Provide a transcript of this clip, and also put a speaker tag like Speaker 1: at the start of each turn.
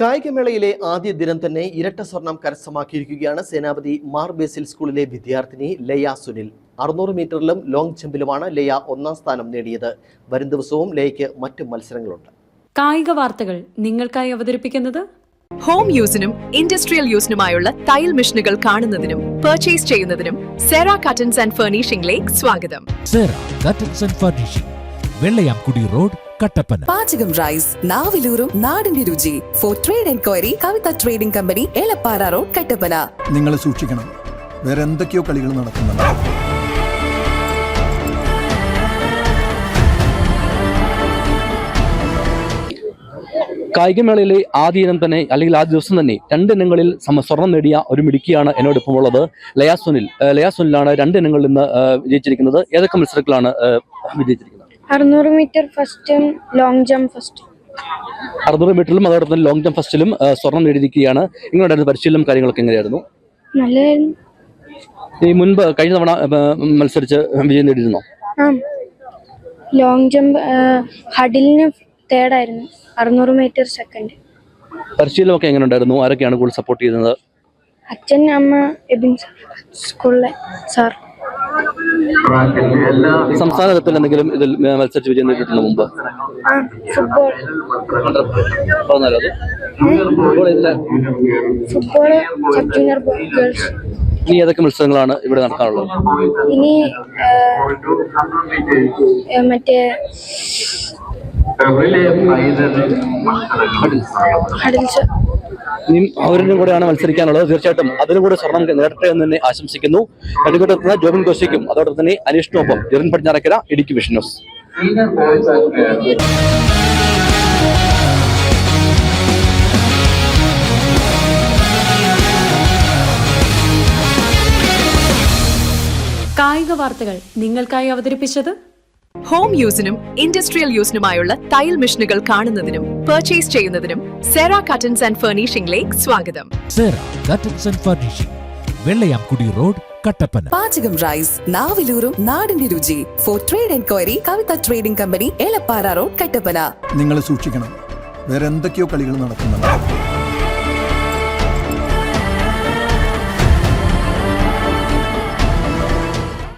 Speaker 1: കായികമേളയിലെ ആദ്യ ദിനം തന്നെ ഇരട്ട സ്വർണം കരസ്ഥമാക്കിയിരിക്കുകയാണ് സേനാപതി മാർ ബേസിൽ സ്കൂളിലെ വിദ്യാർത്ഥിനി ലയ സുനിൽ. 600 മീറ്ററിലും ലോങ് ജമ്പിലുമാണ് ലയ ഒന്നാം സ്ഥാനം നേടിയത്. വരും ദിവസവും ലയയ്ക്ക് മറ്റു മത്സരങ്ങളുണ്ട്.
Speaker 2: കായിക വാർത്തകൾ നിങ്ങൾക്കായി അവതരിപ്പിക്കുന്നത്
Speaker 3: ഹോം യൂസിനും ഇൻഡസ്ട്രിയൽ യൂസിനുമായുള്ള തയ്യൽ മെഷീനുകൾ കാണുന്നതിനും പർച്ചേസ് ചെയ്യുന്നതിനും സെറ കട്ടൻസ് ആൻഡ് ഫർണിഷിംഗിലേക്ക് സ്വാഗതം.
Speaker 4: Sera curtains and furnishing, Vellayamkudy road, Kattappana.
Speaker 5: പാചകം റൈസ്, നാവിലൂറും നാടിന്റെ രുചി. For trade enquiry Kavitha trading company, Elappara road, Kattappana.
Speaker 6: നിങ്ങൾ സൂക്ഷിക്കണം, വേറെ എന്തൊക്കെയോ കളികൾ നടക്കുന്നുണ്ട്.
Speaker 7: കായികമേളയിലെ ആദ്യ ഇനം തന്നെ അല്ലെങ്കിൽ ആദ്യ ദിവസം തന്നെ 2 ഇനങ്ങളിൽ സ്വർണം നേടിയ ഒരു മിടുക്കിയാണ് എന്നോടൊപ്പം ഉള്ളത്. ലയ സുനിലാണ് 2 ഇനങ്ങളിൽ നിന്ന് വിജയിച്ചിരിക്കുന്നത്. ഏതൊക്കെ മത്സരത്തിലാണ് വിജയിച്ചിരിക്കുന്നത്?
Speaker 8: 600 മീറ്റർ ഫസ്റ്റും ലോങ് ജമ്പ് ഫസ്റ്റും.
Speaker 7: 600 മീറ്ററിലും അതോടൊപ്പം ലോങ് ജമ്പ് ഫസ്റ്റിലും സ്വർണം നേടിയിരിക്കുകയാണ്. എങ്ങനെയുണ്ടായിരുന്നു പരിശീലനം, കാര്യങ്ങളൊക്കെ എങ്ങനെയായിരുന്നു?
Speaker 8: നല്ലതായിരുന്നു.
Speaker 7: ഈ മുൻപ് കഴിഞ്ഞ തവണ മത്സരിച്ച് വിജയം നേടിയിരുന്നോ?
Speaker 8: ലോങ് ജമ്പ് ഹഡിലിന് തേർഡായിരുന്നു, 600 മീറ്റർ സെക്കൻഡ്.
Speaker 7: പരിശീലനമൊക്കെ എങ്ങനെ ഉണ്ടായിരുന്നു? ആരൊക്കെയാണ് കൂടുതൽ സപ്പോർട്ട് ചെയ്യുന്നത്?
Speaker 8: അച്ഛൻ, അമ്മ, എബിൻ സ്കൂളിലെ സാർ.
Speaker 7: സംസ്ഥാന തലത്തിൽ എന്തെങ്കിലും ഇതിൽ മത്സരിച്ച് വിജയം നേടിയിട്ടുണ്ടോ മുമ്പ്?
Speaker 8: Football sub junior girls.
Speaker 7: ഇനി ഏതൊക്കെ മത്സരങ്ങളാണ് ഇവിടെ നടക്കാനുള്ളത്?
Speaker 8: ഇനി മറ്റേ
Speaker 7: ഇനിയും അവരിലും കൂടെയാണ് മത്സരിക്കാനുള്ളത്. തീർച്ചയായിട്ടും അതിലും കൂടെ സ്വർണം നേടട്ടെ എന്ന് തന്നെ ആശംസിക്കുന്നു. നെടുങ്കണ്ടത്തുനിന്ന് ജോബിൻ കോശിക്കും അതോടൊപ്പം തന്നെ അനീഷിനൊപ്പം ജെറിൻ പടിഞ്ഞാറക്കര, ഇടുക്കി വിഷൻ ന്യൂസ്.
Speaker 2: കായിക വാർത്തകൾ നിങ്ങൾക്കായി അവതരിപ്പിച്ചത്
Speaker 3: ഹോം യൂസിനും ഇൻഡസ്ട്രിയൽ യൂസിനുമായുള്ള തയ്യൽ മെഷീനുകൾ കാണുന്നതിനും പർച്ചേസ് ചെയ്യുന്നതിനും സെറ കട്ടൻസ് ആൻഡ് ഫർണിഷിംഗിലേക്ക് സ്വാഗതം.
Speaker 4: Sera curtains and furnishing, Vellayamkudy road, Kattappana.
Speaker 5: പാചകം റൈസ്, നാവിലൂറും നാടിന്റെ രുചി. For trade enquiry Kavitha trading company, Elappara road, Kattappana.
Speaker 6: നിങ്ങൾ സൂക്ഷിക്കണം, വേറെ എന്തൊക്കെയോ കളികൾ നടക്കുന്നുണ്ട്.